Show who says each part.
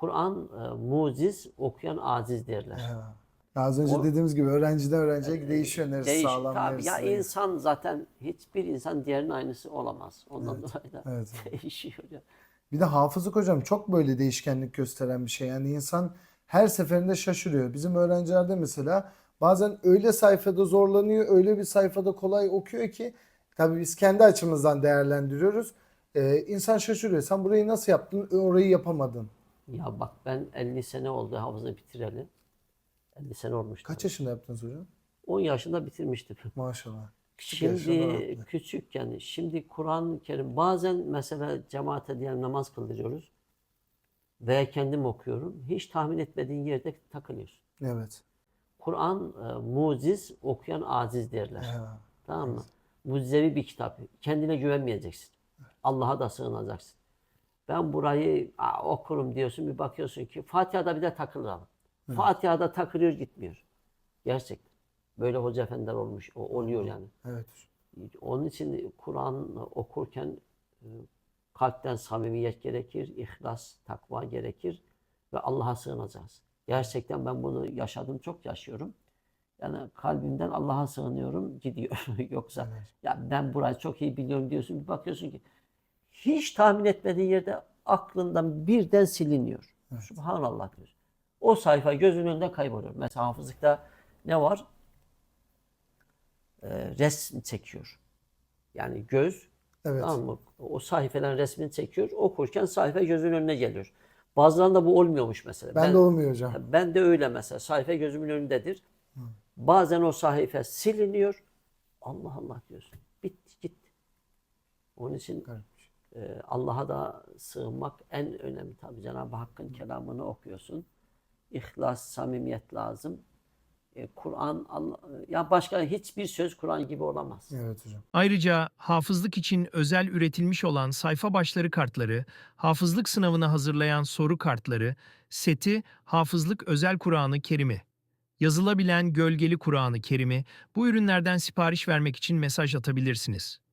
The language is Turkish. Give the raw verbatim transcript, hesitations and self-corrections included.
Speaker 1: Kur'an e, muciz, okuyan aciz derler.
Speaker 2: Ya. Az önce
Speaker 1: O,
Speaker 2: dediğimiz gibi öğrenciden öğrenciye değişiyor. Neresi
Speaker 1: değiş,
Speaker 2: sağlam,
Speaker 1: tabii ya,
Speaker 2: neresi zayıf.
Speaker 1: insan zaten hiçbir insan diğerinin aynısı olamaz. Ondan
Speaker 2: Evet.
Speaker 1: dolayı da
Speaker 2: Evet.
Speaker 1: değişiyor ya.
Speaker 2: Bir de hafızlık hocam çok böyle değişkenlik gösteren bir şey. Yani insan her seferinde şaşırıyor. Bizim öğrencilerde mesela bazen öyle sayfada zorlanıyor, öyle bir sayfada kolay okuyor ki tabii biz kendi açımızdan değerlendiriyoruz. Ee, insan şaşırıyor. Sen burayı nasıl yaptın? Orayı yapamadın.
Speaker 1: Ya bak, ben elli sene oldu hafızı bitireli. elli sene olmuş
Speaker 2: Kaç
Speaker 1: tabii.
Speaker 2: yaşında yaptınız hocam?
Speaker 1: on yaşında bitirmiştim.
Speaker 2: Maşallah. Küçük yaşta
Speaker 1: Şimdi
Speaker 2: rahatlık.
Speaker 1: küçükken, şimdi Kur'an-ı Kerim bazen mesela cemaate diyelim namaz kıldırıyoruz veya kendim okuyorum. Hiç tahmin etmediğin yerde takılıyorsun.
Speaker 2: Evet.
Speaker 1: Kur'an e, muciz, okuyan aciz derler.
Speaker 2: Ya.
Speaker 1: Tamam mı? Mucizevi bir kitap. Kendine güvenmeyeceksin. Allah'a da sığınacaksın. Ben burayı aa, okurum diyorsun, bir bakıyorsun ki Fatiha'da bir de takılalım.
Speaker 2: Evet.
Speaker 1: Fatiha'da takılıyor, gitmiyor. Gerçekten. Böyle hoca efendiler olmuş. O, oluyor yani.
Speaker 2: Evet.
Speaker 1: Onun için Kur'an okurken e, kalpten samimiyet gerekir, ihlas, takva gerekir ve Allah'a sığınacağız. Gerçekten ben bunu yaşadım, çok yaşıyorum. Yani kalbimden Allah'a sığınıyorum, gidiyor. Yoksa
Speaker 2: Evet.
Speaker 1: ya ben burayı çok iyi biliyorum diyorsun, bir bakıyorsun ki hiç tahmin etmediğin yerde aklından birden siliniyor.
Speaker 2: Evet.
Speaker 1: Subhanallah diyor. O sayfa gözünün önünde kayboluyor. Mesela hafızlıkta ne var? Ee, resim çekiyor. Yani göz,
Speaker 2: Evet.
Speaker 1: tamam mı? O sayfaların resmini çekiyor. Okurken sayfa gözünün önüne geliyor. Bazılarında bu olmuyormuş mesela.
Speaker 2: Ben de olmuyor hocam.
Speaker 1: Ben de öyle mesela. Sayfa gözümün önündedir. Bazen o sayfa siliniyor. Allah Allah diyorsun. Bitti gitti. Onun için
Speaker 2: Garip.
Speaker 1: e, Allah'a da sığınmak en önemli tabii. Cenab-ı Hakk'ın kelamını okuyorsun. İhlas, samimiyet lazım. E, Kur'an, Allah, ya başka hiçbir söz Kur'an gibi olamaz.
Speaker 2: Evet hocam.
Speaker 3: Ayrıca hafızlık için özel üretilmiş olan sayfa başları kartları, hafızlık sınavına hazırlayan soru kartları, seti, hafızlık özel Kur'an-ı Kerim'i, yazılabilen gölgeli Kur'an-ı Kerim'i, bu ürünlerden sipariş vermek için mesaj atabilirsiniz.